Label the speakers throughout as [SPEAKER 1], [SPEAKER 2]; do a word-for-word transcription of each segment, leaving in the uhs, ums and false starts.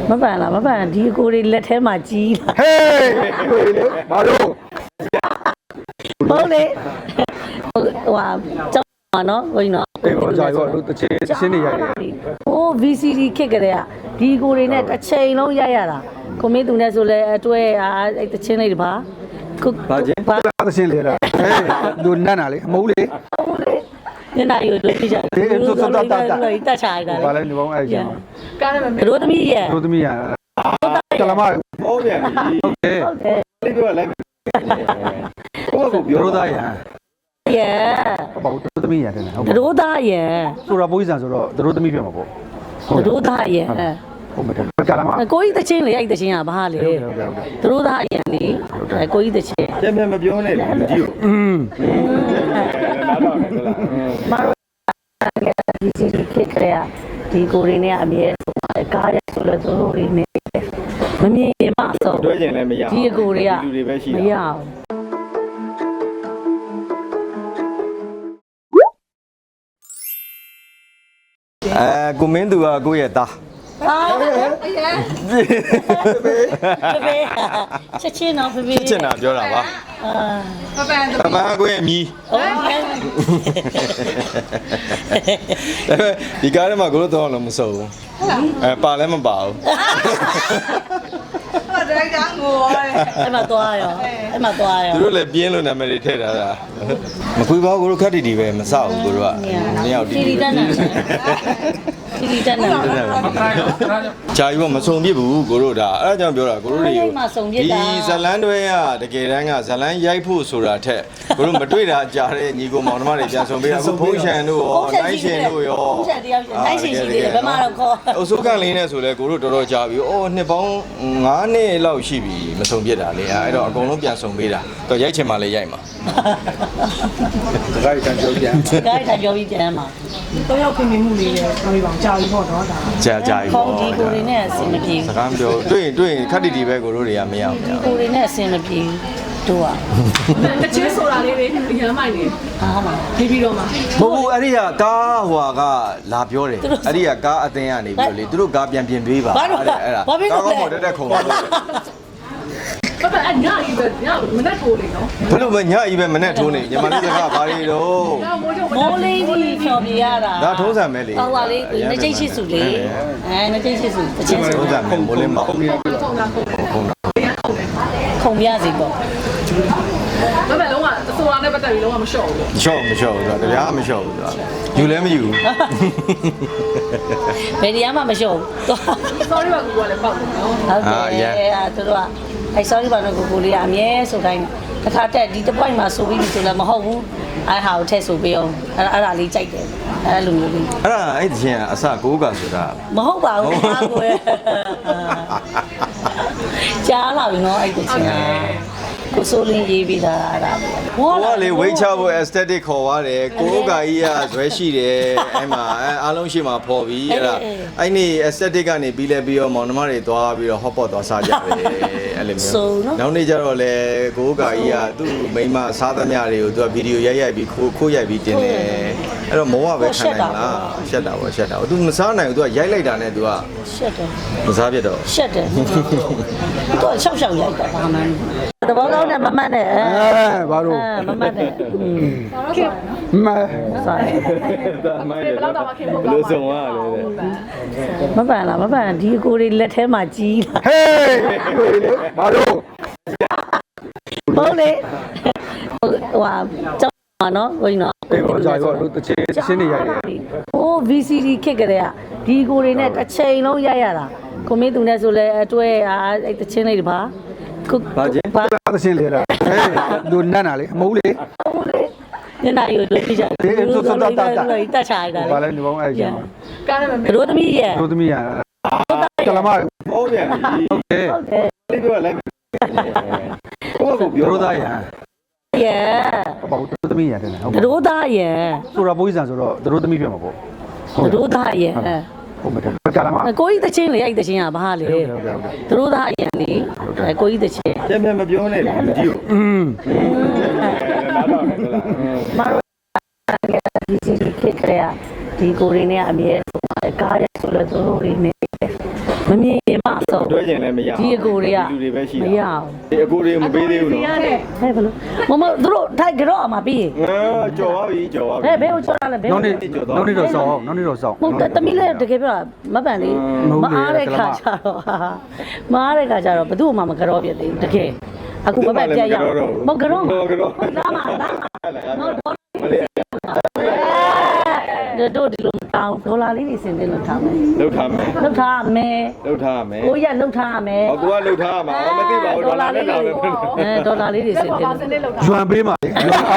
[SPEAKER 1] မပန်လားမပန်ဒီအကိုတွေလက်ထဲမှာကြီးလာ
[SPEAKER 2] ဟေးဘာလို့
[SPEAKER 1] ဟုတ်လေဟိုဟာကျောင်းမှာနော်ဟိုနော်
[SPEAKER 2] အေးဟောကြာရောတို့တချင်းချင်းနေရတယ်
[SPEAKER 1] ဟို ဗီ စီ ဒီ ခစ်ကြတဲ့ကဒီကိုတွေနဲ့တစ်ချိန်လုံးရိုက်ရတာကိုမင်းသူနဲ့ဆိုလဲအတွဲအားအဲ့တချင်းလေးတပါ
[SPEAKER 2] ဘာချင်းဘာတချင်းလေလားဟေးသူနတ်နာလေအမိုးလေ
[SPEAKER 1] ညနေရိုးတို့ပြကြတယ်သူတို့တော့တက်တက်တက်ချာရတယ်
[SPEAKER 2] ဘာလဲနေပေါင်းအဲ့ကျန်
[SPEAKER 1] ကားရမယ်တို့သမီးရဲ့
[SPEAKER 2] တို့သမီးရကလမဟုတ်ပြန်ပြီဟုတ်တယ်ဟုတ်တယ်ဒီကလည်းဟိုကပြောတော့သားရ
[SPEAKER 1] ရဲ့
[SPEAKER 2] ဘာလို့တို့သမီးရတယ်ဟုတ်
[SPEAKER 1] တို့သားရဲ့
[SPEAKER 2] ဆိုတော့ပိုးစံဆိုတော့တို့သမီးပြမှာပေါ့
[SPEAKER 1] တို့သားရဲ့
[SPEAKER 2] ဟုတ်မယ်ကလမ
[SPEAKER 1] ကိုကြီးတချင်းလေအဲ့တချင်းကဘာလေတို့သားရဲ့လေကိုကြီးတချင်း
[SPEAKER 2] ပြန်ပြန်မပြောနဲ့ဒီကိုอืมနားတော့ဟုတ်လား
[SPEAKER 1] မဒီစီခက်ခဲဒီကိုရင်းနဲ့အမြဲကားရဆိုလို့သူတို့တွေနေမမြင်ရင်မဆုံး
[SPEAKER 2] တွဲကျင်လည်းမရ
[SPEAKER 1] ဒီအကိုတွေက
[SPEAKER 2] လူတွေပဲရှိ
[SPEAKER 1] တာမရအောင်
[SPEAKER 2] အဲကိုမင်းသူကကိုယ့်ရဲ့သား
[SPEAKER 1] ဟာအရင်ဖေဖေချက်ချင်းတော့ဖေဖေ
[SPEAKER 2] ချက်ချင်းတာပြောတာပါ
[SPEAKER 1] အာပပန်
[SPEAKER 2] ပပန်ကိုယ့်ရဲ့မြီးဒီကားထဲမှာကိုတို့တော့လည်းမစုံဘူးအဲပါလည်းမပါဘူး
[SPEAKER 1] ဟုတ်တယ်ကောင်းကိုအဲ့မှာသွားရောအဲ့မှာသွားရော
[SPEAKER 2] သူတို့လည်းပြင်းလို့နာမည်တွေထည့်ထားတာမခွေပါဘူးကိုတို့ခက်တီတီပဲမဆောက်ဘူးကိုတို့ကနှစ်ယောက်တီ
[SPEAKER 1] တီတက်နေတီတီတက်နေ
[SPEAKER 2] ဂျာယူကမစုံပြစ်ဘူးကိုတို့ဒါအဲ့ဒါကြောင့်ပြောတာကိုတို့တွေကိုဒီဇလန်းတွဲကတကယ်တမ်းကဇလန်းရိုက်ဖို့ဆိုတာထက်ကိုတို့မတွေ့တာကြားတဲ့ညီကိုမောင်နှမတွေပြန်ဆုံပေးတာအခုဖုန်းရှန်တို့ရောနိုင်ရှင်တို့ရော
[SPEAKER 1] ဖုန်းရှန်တယောက်နိုင်ရှင်ရှိသေးတယ်ဘယ်မှာတော့ခေါ်
[SPEAKER 2] အစိုးကလင်းနဲ့ဆိုလဲကိုတို့တော်တော်ကြာပြီအော်နှစ်ပေါင်းငါးနှစ်လောက်ရှိပြီမဆုံပြစ်တာလေအဲ့တော့အကုန်လုံးပြန်ဆုံပေးတာတော့ရိုက်ချင်မှလည်းရိုက်မှာဒါကြိုက်တန်ကြောပြန်
[SPEAKER 1] ဒါကြိုက်တန်ကြောပြီးပြန်မှာ
[SPEAKER 3] တော့ရောက်ခင်မမှုလေးလည်းပြောပြပါအောင်ကြာပြီပေါ့နော်ဒါ
[SPEAKER 2] ကြာကြာပြီ
[SPEAKER 1] ပေါ့ဒီကိုတွေနဲ့အဆင်မပြေ
[SPEAKER 2] စကားပြောတွေ့ရင်တွေ့ရင်ခက်တီတီပဲကိုတို့တွေကမရအောင်
[SPEAKER 1] ဒီကိုတွေနဲ့အဆင်မပြေတို့อ่ะ
[SPEAKER 3] တချင်းဆိုတာလေးတွေရမ်းမိုက်နေ
[SPEAKER 1] ဟာဟုတ်ပါ
[SPEAKER 3] ပြီးပြီးတော့မှ
[SPEAKER 2] မဟုတ်ဘူးအဲ့ဒီကကားဟွာကလာပြောတယ်အဲ့ဒီကကားအသင်းကနေပြီးလေသူတို့ကားပြန်ပြင်ပေးပါ
[SPEAKER 1] အဲ့ဒါ
[SPEAKER 2] အဲ့ဒါကားကောင်းပေါ်တက်တက်ခုံပါလို့
[SPEAKER 3] ပပအညာကြီးပဲညမနဲ့ထိုးနေနော်
[SPEAKER 2] ဘယ်လိုပဲညကြီးပဲမနဲ့ထိုးနေညီမလေးတွေကဘာတွေတော့
[SPEAKER 1] မိုးလေးကြီးဖြော်ပြရတာ
[SPEAKER 2] ဒါထုံးစံပဲလေ
[SPEAKER 1] ဟောပါလေနှစ်ကျိတ်ရှိစုလေအဲနှစ်ကျိတ်ရှိစုတချင်း
[SPEAKER 2] ထုံးစံပဲမိုးလေးမဟုတ်ဘူး
[SPEAKER 3] ထုံးတာခုံ
[SPEAKER 2] ခုံတာ
[SPEAKER 1] ခုံပြစီပေါ့
[SPEAKER 3] ဒါပေမဲ့လုံးဝအစိုးရနဲ့ပတ်သက်ပြီးလုံးဝမလျှော့ဘူး
[SPEAKER 2] မလျှော့မလျှော့ဘူးဆိုတာတရားမလျှော့ဘူးဆိုတာယူလည်းမယူဘူး
[SPEAKER 1] ဘယ်တရားမှမလျှော့ဘူး
[SPEAKER 3] sorry ပါကူကလည်းပေါက်တယ်နော်
[SPEAKER 1] ဟုတ်တယ်အဲသူတို့ကအဲ sorry ပါတော့ကိုကိုလေးကအမြဲဆိုတိုင်းတစ်ခါတက်ဒီတစ်ပိုက်မှာဆိုပြီးဆိုလည်းမဟုတ်ဘူးအဲဟာကိုထည့်ဆိုပေးအောင်အဲ့အဲ့ဒါလေးကြိုက်တယ်အဲ့လိုမျိုးလေး
[SPEAKER 2] အဲ့ဒါအဲ့ဒီချင်းအစကိုးကဆိုတာ
[SPEAKER 1] မဟုတ်ပါဘူးဟာကိုကြားလာပြီနော်အဲ့ဒီချင်းကိုဆိုလင်းရေးပြီးတာအဲ့ဒါ
[SPEAKER 2] ဟောကလေဝိတ်ချဖို့ aesthetic ခေါ်သွားတယ်ကိုးကကြီးကဇွဲရှိတယ်အဲ့မှာအားလုံးရှိမှာဖော်ပြီးအဲ့ဒါအဲ့นี่ aesthetic ကနေပြီးလဲပြီးတော့မောင်နှမတွေသွားပြီးတော့ hot pot သွားစားကြတယ်အဲ့လိုမျိုးနောက်နေ့ကျတော့လေကိုးကကြီးကသူ့မိန်းမစားသမျှတွေကိုသူကဗီဒီယိုရိုက်ရိုက်ပြီးခိုးခိုးရိုက်ပြီးတင်တယ်အဲ့တော့မောကပဲခံနိုင်လားရှက်တာပေါ့ရှက်တာသူမစားနိုင်ဘူးသူကရိုက်လိုက်တာနဲ့သူက
[SPEAKER 1] ရှက်တယ်
[SPEAKER 2] မစားပြတော့
[SPEAKER 1] ရှက်တယ်သူကရှောက်ရှောက်ရိုက်တာဘာမှမတဘောကောင်းနဲ့မမှတ်နဲ့အဲ
[SPEAKER 2] ဘာလို့
[SPEAKER 1] မမှတ်နဲ့
[SPEAKER 2] မ
[SPEAKER 1] ဆိုင်
[SPEAKER 3] ဒါမိုင်းဘယ်တော့မှခင်ဖို့ကောင်းပါ
[SPEAKER 2] လို့ဆုံးရတယ်
[SPEAKER 1] မပန်လားမပန်ဒီအကိုတွေလက်ထဲမှာကြီးလာ
[SPEAKER 2] ဟေးဘာလို့
[SPEAKER 1] ဟုတ်လေဟိုဟာကျောင်းမှာနော်ဟိုနော်
[SPEAKER 2] အေးဟောကြာရောတို့တချင်းချင်းနေရတယ်
[SPEAKER 1] ဟို ဗီ စီ ဒီ ခစ်ကြတဲ့ကဒီကိုတွေနဲ့တစ်ချိန်လုံးရိုက်ရတာကိုမင်းသူနဲ့ဆိုလဲအတွဲအားအဲ့တချင်းလေးတပါ
[SPEAKER 2] ဘာချင်းဘာသချင်းလေလားဟေးသူနတ်နာလေအမိုးလေ
[SPEAKER 1] ညနေရိုးတို့ပြကြတယ်သူတို့တော့တက်တက်ချာရတယ်
[SPEAKER 2] ဘာလဲနေပေါင်းအဲ့ကျန်
[SPEAKER 3] ကားရမယ်
[SPEAKER 1] တို့သမီးရဲ့
[SPEAKER 2] တို့သမီးရကလမဟုတ်ပြန်ပြီဟုတ်တယ်ဟုတ်တယ်ဒီကလည်းဟိုကပြောတော့သားရ
[SPEAKER 1] ရဲ့
[SPEAKER 2] ဘာလို့တို့သမီးရတယ်
[SPEAKER 1] ဟုတ်တို့သားရဲ့
[SPEAKER 2] ဆိုတော့ပိုးစံဆိုတော့တို့သမီးပြမှာပေါ့
[SPEAKER 1] တို့သားရဲ့
[SPEAKER 2] ဟုတ်မယ်ကလမ
[SPEAKER 1] ကိုကြီးတချင်းလေအဲ့တချင်းကဘာလေတို့သားအရင်လေကိုကြီးတချင်း
[SPEAKER 2] ပြန်ပြန်မပြောနဲ့ဒီကိုอืมနားတော့ဟုတ်လား
[SPEAKER 1] မဒီစီခက်ခဲဒီကိုရင်းနဲ့အမြဲကားရဆိုလို့သူတို့တွေနေမမြင်မဆုံး
[SPEAKER 2] တွဲကျင်လည်းမရ
[SPEAKER 1] ဒီအကိုတွေက
[SPEAKER 2] လူတွေပဲရှိ
[SPEAKER 1] မ
[SPEAKER 2] တာ
[SPEAKER 1] ရအောင်
[SPEAKER 2] ဒီအကိုတွေမပေးသေးဘူးနော်
[SPEAKER 3] ရတယ်
[SPEAKER 1] ဟဲ့ဘလို့မမတို့ထိုက်ကြော့အမှာပြီး
[SPEAKER 2] အာကြော်ပါပြီကြော်ပါပြီ
[SPEAKER 1] ဟဲ့ဘယ်ကိုကြော်ရလဲဘယ်
[SPEAKER 4] နောက်နေ့နောက်နေ့တော့စောင်းနောက်နေ့တော့စောင်း
[SPEAKER 1] ဟုတ်တယ်တမီးလည်းတကယ်ပြောတာမပန်လေးမအားတဲ့ခါကျတော့ဟာမအားတဲ့ခါကျတော့ဘသူ့မှမကြော့ပြသေးဘူးတကယ်အခုမပန်ပြတ်ရအောင်မကြော့မကြော့လာမလာမတို့ဒီလိုတောင်းဒေါ်လာလေးတွေစင်တင်လို့ထားမယ်
[SPEAKER 2] လှုပ်ထားမယ်
[SPEAKER 1] လောက်ထားမယ်
[SPEAKER 2] လှုပ်ထားမယ်
[SPEAKER 1] ကိုရလောက်ထားမယ်
[SPEAKER 2] ဟောကိုကလှုပ်ထားမှာမသိပါဘူးဒေါ်လာနဲ့လာမယ်
[SPEAKER 1] အဲဒေါ်လာလေးတွေစင်တင်
[SPEAKER 3] ပါစနစ်လောက်တာ
[SPEAKER 4] ရွှန်ပေးပါလေ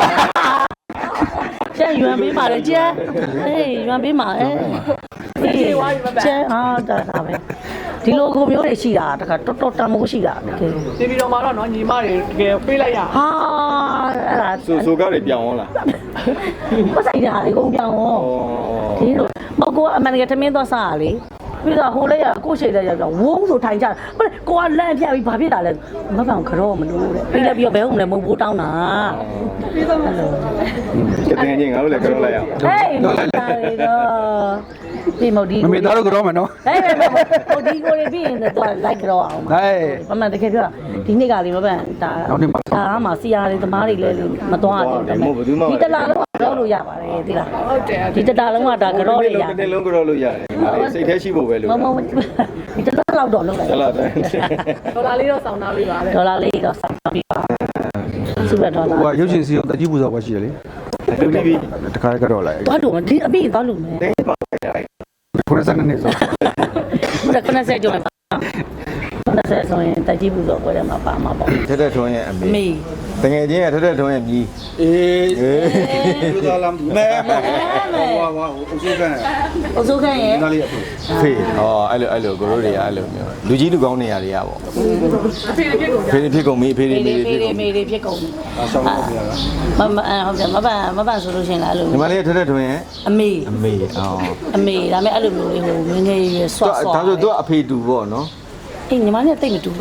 [SPEAKER 1] ကျန်ရွံပေးပါလေကျန်အေးရွံပေးပါအဲကျန်ဟာတာတာပဲဒီလိုကိုမျိုးတွေရှိတာတခါတော်တော်တမိုးရှိတာတကယ်
[SPEAKER 3] ဒီဗီဒီယိုမှာတော့နော်ညီမတွေတကယ်ပေးလိုက်ရ
[SPEAKER 1] ဟာအဲ့ဒါ
[SPEAKER 2] ဆိုဆိုကားတွေပြောင်းအောင်လား
[SPEAKER 1] မဆိုင်တာလေကုန်ပြောင်းဟောဒီလိုမကိုကအမှန်တကယ်ထမင်းသွားစားရလေပြီးတော့ဟိုလေးကကိုရှိတဲ့ရောက်တော့ဝုန်းဆိုထိုင်ကြဘယ်ကိုကလန့်ပြပြီးဘာဖြစ်တာလဲမပန်ခရောမလို့တဲ့ပြီးလည်းပြီးတော့ဘယ်ဟုတ်မလဲမဟုတ်ဘူးတောင်းတာပြီးတော့အဲ့လို
[SPEAKER 2] ကတင်ချင်းငါတို့လည်းကြော်လိုက်အောင်
[SPEAKER 1] ဟေးမတာလေတော့ဒီမဒီ
[SPEAKER 4] မမေသားတို့ကတော့မယ်နော်
[SPEAKER 1] ဟဲ့ဟိုဒီကိုရပြီးရင်တော့လိုက်ကြောအောင်
[SPEAKER 4] ဟဲ့
[SPEAKER 1] ပါမတကယ်ပြောဒီနေ့ကလေးမပန်ဒါဒါမှစီယာလေးသမားတွေလည်းမသွားဘူးဒီတလားလုံးကတော့လို့ရပါတယ်ဒီလား
[SPEAKER 3] ဟုတ်တယ်
[SPEAKER 1] ဒီတလားလုံးကဒါကြောတွေရ
[SPEAKER 2] တစ်နေ့လုံးကြော်လို့ရတယ်စိတ်แท้ရှိဖို့ပဲလို့
[SPEAKER 1] မမဒီတလားလောက်တော့လုပ်လိုက်
[SPEAKER 2] ဟုတ်လားတဲ့
[SPEAKER 3] ဒေါ်လာလေးတော့စောင်းသားပေးပါလေ
[SPEAKER 1] ဒေါ်လာလေးတော့ဆက်ပြီးပါစူပါဒေါ်လာ
[SPEAKER 4] ဟိုကရုပ်ရှင်စီအောင်တကြီးပူဇော်ပွဲရှိတယ်လေ
[SPEAKER 2] လူပြီးပြီ
[SPEAKER 4] တခါကတော့လိုက်
[SPEAKER 1] သွားလို့ဒီအပိသွားလို့မယ်
[SPEAKER 4] ခုနစနေဆို
[SPEAKER 1] ဘယ်ကနဆက်ကြောင်းပါနဆက်ဆိုရင်တကြီးဘူးတော့ကိုယ်ထဲမှာပါမှာပေါ့
[SPEAKER 2] ထက်ထက်ထွန်းရဲ့အမေ
[SPEAKER 1] မေ
[SPEAKER 2] တကယ်ချင်းကထက်ထက်ထွန်းရဲ့မြီး
[SPEAKER 4] အေးပူဇော်လာမဲမဲဟိုဟိုအစိုးကန်
[SPEAKER 1] အစိုးခန့်ရဲ့
[SPEAKER 4] နားလေးအဖေ
[SPEAKER 2] ဖေးဟောအဲ့လိုအဲ့လိုကိုတို့တွေကအဲ့လိုမျိုးလူကြီးလူကောင်းနေရတွေကပေါ့
[SPEAKER 3] အဖေလေးပြစ်ကုန်ကြ
[SPEAKER 2] ဖေးဖြစ်ကုန်ပြီဖေး
[SPEAKER 1] မေ
[SPEAKER 2] တွေ
[SPEAKER 1] တွေ
[SPEAKER 2] မေးတွေ
[SPEAKER 1] မေ
[SPEAKER 2] ဖြစ်ကုန်ပြီ
[SPEAKER 1] တွေမေတွေဖြစ်ကုန်ပြီ
[SPEAKER 4] အဆောင်လို့ပြရတာ
[SPEAKER 1] မမဟုတ်တယ်မပန်မပန်ဆိုလို့ရှိရင်လည်းအဲ့လို
[SPEAKER 2] ညီမလေးထက်ထက်ထွန်းရဲ့
[SPEAKER 1] အမေ
[SPEAKER 2] အမေအော်
[SPEAKER 1] အမေဒါပေမဲ့အဲ့လိုမျိုးလေးဟိုငငယ်ရွယ်ဆွတ်ဆွတ်
[SPEAKER 2] ဒါဆိုသူကအဖေတူပေါ့နော်
[SPEAKER 1] အေးညီမလေးတိတ်မတူ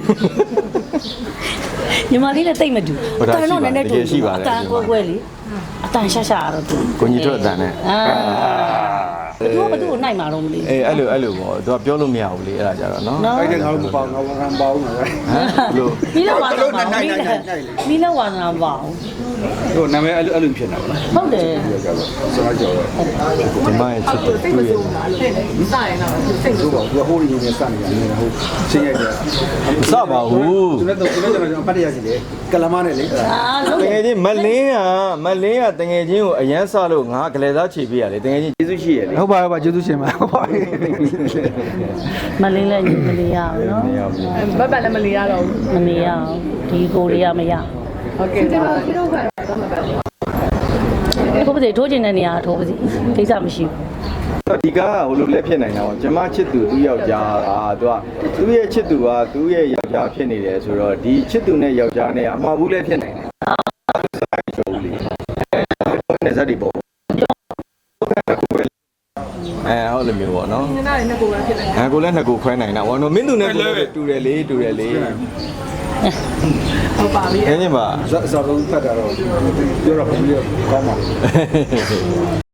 [SPEAKER 1] ညီမလေးနဲ့တိတ်မတူအတန်တော့နည်းနည်းတူအတန်ကိုကွဲလေအတန်ရှာရှာတော့တူ
[SPEAKER 2] ကိုကြီးတို့အတန်နဲ့
[SPEAKER 1] အာသူကဘသူ့ကိုနိုင်မှာတော့မသိ
[SPEAKER 2] အေးအဲ့လိုအဲ့လိုပေါ့သူကပြောလို့မရဘူးလေအဲ့ဒါကြတော့နော်
[SPEAKER 1] နော်
[SPEAKER 4] အဲ့ဒါငါတို့မပေါ့ငါကံပေါ့နော်
[SPEAKER 2] ဟမ်လို့
[SPEAKER 1] မီးလောက်ဝါနာပါမီးလောက်ဝါနာပါ
[SPEAKER 4] ဟိုနာမည်အဲ့လိုအဲ့လိုဖြစ်နေတာပေါ့နော်
[SPEAKER 1] ဟုတ်တယ်
[SPEAKER 4] စကားကြော်
[SPEAKER 2] ဒီမရဲ့ချစ်တယ်
[SPEAKER 3] စိတ်မဆိုးဘူးလားအဲ့ဒါစရင်တော့စိတ်မ
[SPEAKER 4] သူ
[SPEAKER 3] ဆိုး
[SPEAKER 4] ကသူကဟိုရင်းနေစနေတယ်ဟိုရှင်းရတယ်
[SPEAKER 2] စပါဘူး
[SPEAKER 4] သူနဲ့တော့သူနဲ့ကျွန်တော်ပတ်ရရှိတယ်ကလမနဲ့လေ
[SPEAKER 1] အာလုံး
[SPEAKER 2] တကယ်ချင်းမလင်းကမလင်းကတကယ်ချင်းကိုအရန်ဆလို့ငါကလေးသားခြေပေးရလေတကယ်ချင်းကျေးဇူးရှိရလေ
[SPEAKER 4] ဟုတ်ပါပါကျေးဇူးရှင်ပါဟုတ်ပါ
[SPEAKER 1] မလင်းလည်းညီမလေးရအောင်နော်
[SPEAKER 2] မရဘူး
[SPEAKER 3] ဘက်ဘက်လည်းမလီရတော့ဘူး
[SPEAKER 1] မနေရအောင်ဒီကိုလေးရမရ
[SPEAKER 3] ဟုတ်ကဲ့ပါဒီတော့က
[SPEAKER 1] ထိုးပါစေထိုးချင်တဲ့နေရာထိုးပါစေကိစ္စမရှိဘူး
[SPEAKER 2] ဒီကားကဟိုလိုလက်ဖြစ်နိုင်တာပေါ့ကျမချစ်သူသူ့ယောက်ျားอ่าသူကသူ့ရဲ့ချစ်သူကသူ့ရဲ့ယောက်ျားဖြစ်နေတယ်ဆိုတော့ဒီချစ်သူနဲ့ယောက်ျားနဲ့အမှားဘူးလည်းဖြစ်နိုင်တယ်နေစားဒီပေါ့အဲဟုတ်လို့မျိုးပေါ့နော်
[SPEAKER 3] နင်နားနဲ့ကိုယ်ပဲဖြစ်တယ်
[SPEAKER 2] အဲကိုလည်းနှစ်ကိုခွဲနိုင်တာဘောနော်မင်းသူနဲ့ကိုလည်းတူတယ်လေတူတယ်လေ
[SPEAKER 3] ဟုတ်ပါပြီ
[SPEAKER 2] အင်းကြီးပါ
[SPEAKER 4] ဇာဇာလုံးဖတ်တာတော့ပြောတော့ဘယ်လိုကောင်းပါ